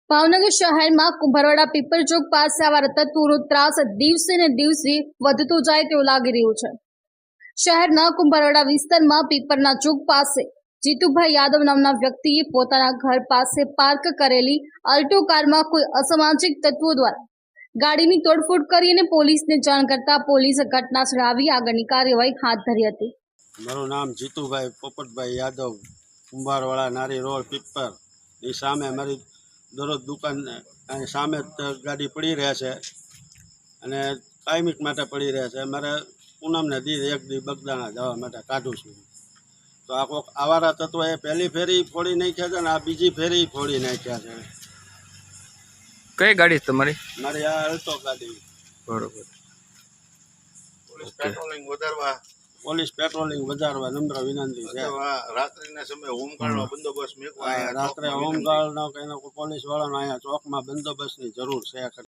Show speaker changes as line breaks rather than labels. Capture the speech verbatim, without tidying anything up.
ભાવનગર શહેરમાં કુંભારવાડા પીપર ચોક પાસે આવા તત્વોનો ત્રાસ દિવસે ને દિવસે વધતો જાય તેવું લાગી રહ્યું છે। શહેરના કુંભારવાડા વિસ્તારમાં પીપરના ચોક પાસે જીતુભાઈ યાદવ નામના વ્યક્તિએ પોતાના ઘર પાસે પાર્ક કરેલી અલ્ટો કારમાં કોઈ અસામાજિક તત્વો દ્વારા ગાડીની તોડફોડ કરી અને પોલીસને જાણ કરતા પોલીસે ઘટનાસ્થળે આવી આગળની કાર્યવાહી હાથ ધરી હતી।
મારું નામ જીતુભાઈ પોપટભાઈ યાદવ, કુંભારવાડા નારી રોડ પીપર ની સામે મારી દરરોજ દુકાન સામે ગાડી પડી રહે છે અને કાયમિક માટે પડી રહે છે। મારે પૂનમને દી એક દી બગદાણા જવા માટે કાઢું છું, તો આ કોઈક આવારા તત્વો એ પહેલી ફેરી ફોડી નાખ્યા છે ને આ બીજી ફેરી ફોડી નાખ્યા છે।
કઈ ગાડી તમારી?
મારી આ અલ્ટો ગાડી।
બરોબર।
પોલીસ પેટ્રોલિંગ વધારવા
પોલીસ પેટ્રોલિંગ વધારવા નમ્ર વિનંતી છે।
રાત્રિના સમયે હોમગાર્ડનો બંદોબસ્ત મેકવા
રાત્રે હોમગાર્ડનો કે પોલીસ વાળાનો અહીંયા ચોકમાં બંદોબસ્તની જરૂર છે।